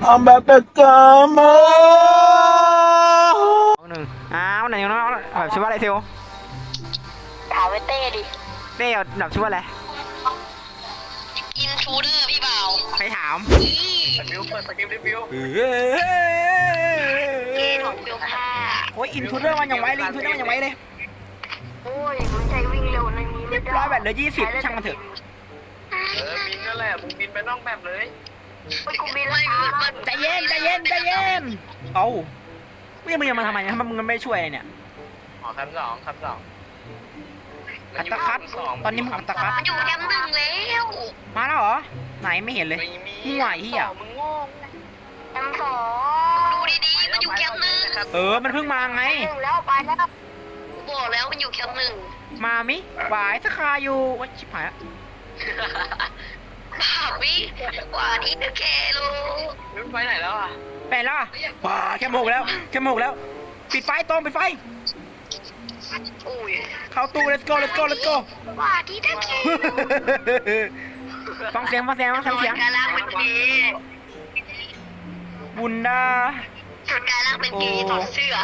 I'm back to come หนึ่งไหนน้องแบบชื่อว่าอะไรเทลถามไอ้เต้ดิเต้แบบชื่อว่าอะไรอินทรูเดอร์พี่บ่าวใครถามสกิลเปิดสกิลรีวิวเกย์ของเบลค่าโอ้ยอินทูเดอร์มันยังไว้เลยอินทูเดอร์มันยังไว้เลยโอ้ยมันใจวิ่งเร็วในนี้เรียบร้อยแบบเหลือ20ช่างมันเถอะบินนั่นแหละมึงบินไปนอกแบบเลยไปกูบินแล้วใจเย็นใจเย็นใจเย็นเอามึงยังมาทำไมถ้ามึงไม่ช่วยเนี่ยอ๋อคำสองอัตคัดตอนนี้มึงอัตคัดมันอยู่แคมป์หนึ่งแล้วมาแล้วเหรอไหนไม่เห็นเลยมึงไหวที่อ่ะมึงโง่แคมป์สองดูดีๆมันอยู่แคมป์หนึ่งมันเพิ่งมาไงหนึ่งแล้วไปแล้วบอกแล้วมันอยู่แคมป์หนึ่งมามิหวายสคาอยู่วัชิบหายบ้าวิกว่านี้จะแค่รู้มึงไปไหนแล้วอ่ะไปแล้วอ่ะว้าแค่โมกแล้วแค่โมกแล้วปิดไฟตรงปิดไฟอุ้ยเข้าตู้ let's go let's go let's go ว่าที่จะแค่ฟังเสียงฟังเสียงฟังเสียงการล่างเป็นเกย์บุนดาชุดการล่างเป็นเกย์ถอดเสื้อ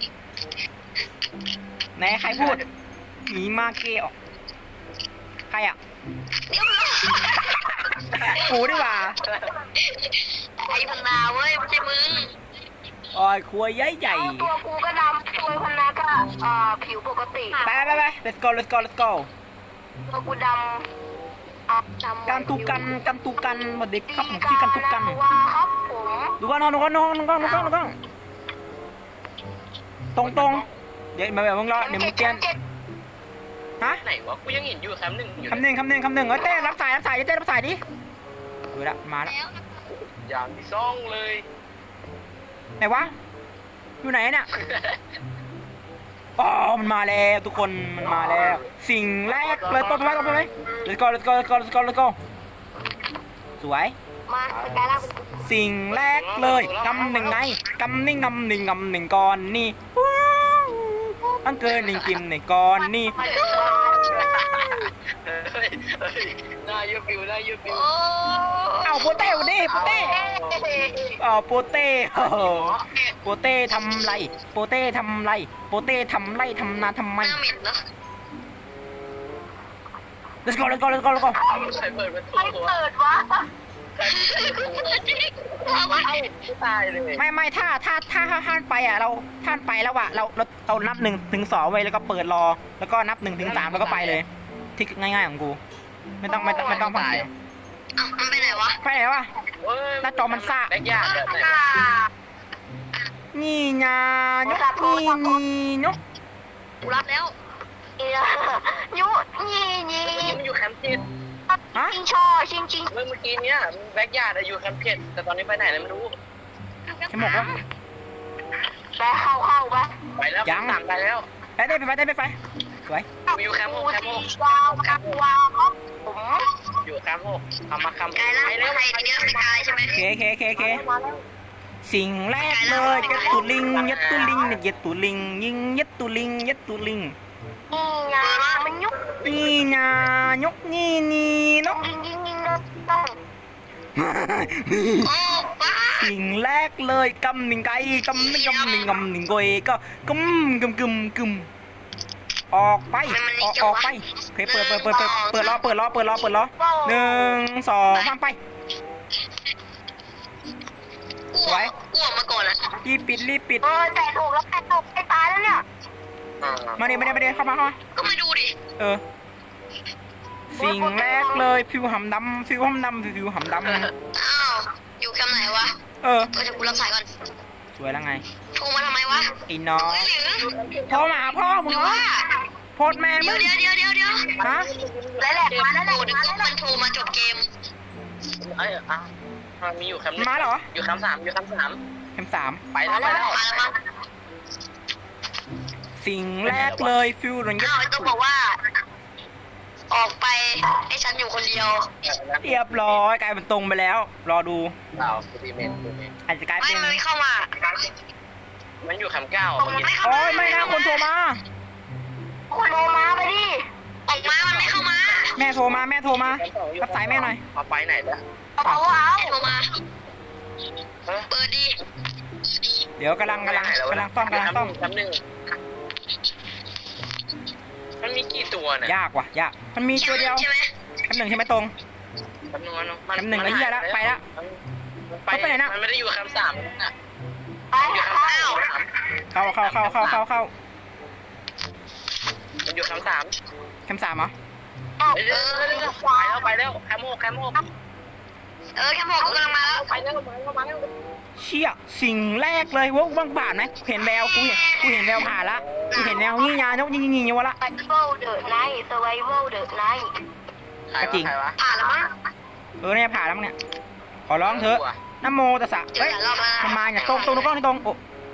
ไหนใครพูดหนีมาเกออกใครอ่ะเดี๋ยวกูดีกว่าไอ้พันนาเว้ยไม่ใช่มึงโอ้ยครัวใหญ่ใหญ่ตัวกูก็ดำตัวพันนาก็ผิวปกติไป let's go let's go let's go ตัวกูดำกันตุกันสวัสดีครับผมชื่อกันตุกันว้าครับผมดูก่อนดูก่อนตรงเดี๋ยวมาแบบมึงรอเดี๋ยวมึงเปลี่ยนฮะไหนวะกูยังเห็นอยู่แคมป์หนึ่งอยู่คำหนึ่งเต้รับสายเต้รับสายดิดูละมาแล้วอย่างที่ซ่องเลยไหนวะอยู่ไหนเนี่ยอ๋อมันมาแล้วทุกคนมันมาแล้ว สิ่งแรกเลยต้นไป let's go let's go สวยมาสกายล่างสิ่งแรกเลยกำหนึ่งไงกำหนึ่งก่อนนี่อังเกินหนึ่งกิมในก่อนนี่หน้ายูฟิวเอาโปเต้วันนี้โปเต้โปเต้ทำไรโปเต้ทำไรทำนาทำไมหน้าเหม็นเนาะ let's go ใครเปิดประตูใครเปิดวะตายเลยไม่ถ้าท่านไปอ่ะเราท่านไปแล้วอ่ะเรานับ1 ถึง 2ไว้แล้วก็เปิดรอแล้วก็นับ1 ถึง 3แล้วก็ไปเลยที่ง่ายๆของกูไม่ต้องฟังเสียงอ้าวมันไปไหนวะไปไหนวะ หน้าจอมันซ่าแบกยากแบบไหนนี่งานกนกกูรับแล้วยุนี่มันอยู่แคมป์เจ็ดฮะชิงช่อชิงเมื่อกี้เนี้ยแบกยากอยู่แคมป์เจ็ดแต่ตอนนี้ไปไหนแล้วไม่รู้ฉันบอกว่าไปเข้าไปไปแล้วตามไปแล้วไปสวยอยู่แคมป์หกวาวครับผมอยู่แคมป์หกทำมาคำกายล่างเป็นใครทีเดียวเป็นกายใช่ไหมเคสิ่งแรกเลยยัดตุลิงยิงยัดตุลิงนี่ไงมันยุกนี่งานกนี่นกยิงต้องโอ้ป้าสิ่งแรกเลยกำหนึ่งไก่กำหนึ่งกอยก็กึมออกไปออกไปเปิดล้อ1 2 3ไปกลัวมาก่อนอ่ะรีบปิดแต่ถูกแล้วแต่ถูกไปตายแล้วเนี่ยมาดิเข้ามาก็มาดูดิสิ่งแรกเลยฟิวหำดำอ้าวอยู่แคมป์ไหนวะก็จะกูรับสายก่อนสวยแล้วไงโทรมาทำไมวะไอ้น้องหรือโทรมาหาพ่อมึงหรือเหรอว่าโพสแม่มึงเดี๋ยวฮะแล้วแหละมาแล้วแหละนึกว่ามันโทรมาจบเกมมีอยู่แคมป์มาเหรออยู่แคมป์ 3อยู่แคมป์เข็ม 3 3ไปแล้วมาแล้วมั้งสิ่งแรกเลยฟิวหลังอ้าวต้องบอกว่า ออกไปให้ฉันอยู่คนเดียวเรียบร้อยกลายเป็นตรงไปแล้ว รอดูเปล่าซีเมนต์อาจจะกลายเป็นไม่เข้ามามันอยู่แคมป์ 9 มันไม่เข้าโอ้มายไม่นะคนโทรมาคนโทรมาไปดิออกมามันไม่เข้ามาแม่โทรมารับสายแม่หน่อยเอาไปไหนแล้วเอาโทรมาเฮ้ยเดี๋ยวกำลังซ่อมแป๊บนึงมันมีกี่ตัวเนี่ยยากว่ะยากมันมีตัวเดียวใช่ไหมแป๊บหนึ่งใช่ไหมตรงแป๊บนึงแป๊บนึงแล้วเหี้ยละไปละมันไปไหนนะมันไม่ได้อยู่แคมป์3นะไปอ้าวเข้ามันอยู่แคมป์3 แคมป์ 3เหรอไปแล้วแคมป์6 แค่หมอกกำลังมาแล้วไปแล้วมาแล้วเชี่ยสิ่งแรกเลยว่าบ้างผ่านไหมเห็นแววกูเห็นแววผ่านละกูเห็นแววงี้ยาเนาะงี้วะละ Survival the night Survival the night จริงใครวะผ่านแล้วมั้งเนี่ยผ่านแล้วมั้งเนี่ยขอร้องเถอะนะโมตัสสะเจอเฮ้ยหลายรอบแล้วมันมาเนี่ยตรงกล้องนี่ตรงโอ้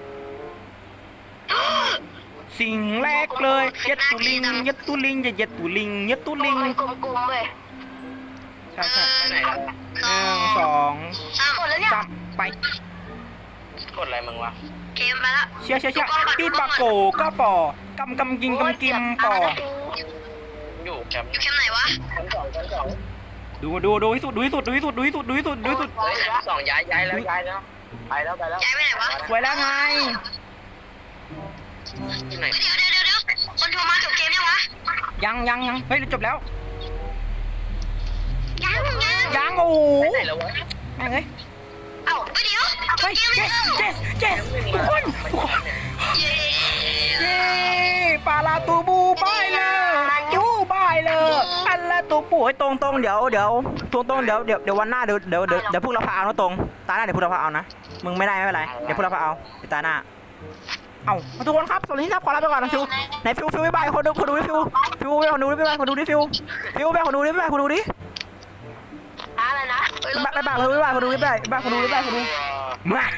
สิ่งแรกเลยเย็ดตุลิงเย็ดตุลิงเย็ดตุลิงเย็ดตุลิงมันกลมๆเว้ยใช่ไปไหนแล้ว 1 2 หมดแล้วเนี่ย 3ไปกดอะไรมึงวะเกมมาแล้วเชี่ยปีปาโกก็ปอกำกิมปออยู่แคมป์อยู่แคมป์ไหนวะแคมป์2 ดูให้สุดเฮ้ยแคมป์2ย้ายแล้วไปแล้วย้ายไปไหนวะสวยแล้วไงที่ไหนเดี๋ยวคนโทรมาจบเกมยังวะยังเฮ้ยจบแล้วยังโอ้โหไปไหนแล้ววะแม่งเอ้ยเอ้าเดี๋ยวจบเฮ้ยเกมไม่เจเลิกสทุกคนเย้เย้ปาลาตูบูบายเลยจูบายเลยอันละตูปูให้ตรงเดี๋ยววันหน้าเดี๋ยวพวกเราพาเอานะตรงตาหน้าเดี๋ยวพวกเราพาเอานะมึงไม่ได้ไม่เป็นไรเดี๋ยวพวกเราพาเอาเดี๋ยวตาหน้าเอาทุกคนครับสวัสดีครับขอลาไปก่อนนะฟิวไหนฟิวบ๊ายบายคนดูดิฟิวไปคนดูดิบ๊ายบายคนดูดิฟิวไปคนดูดิบ๊ายบายคนดูดิอะไรนะบ๊ายบายคนดูมา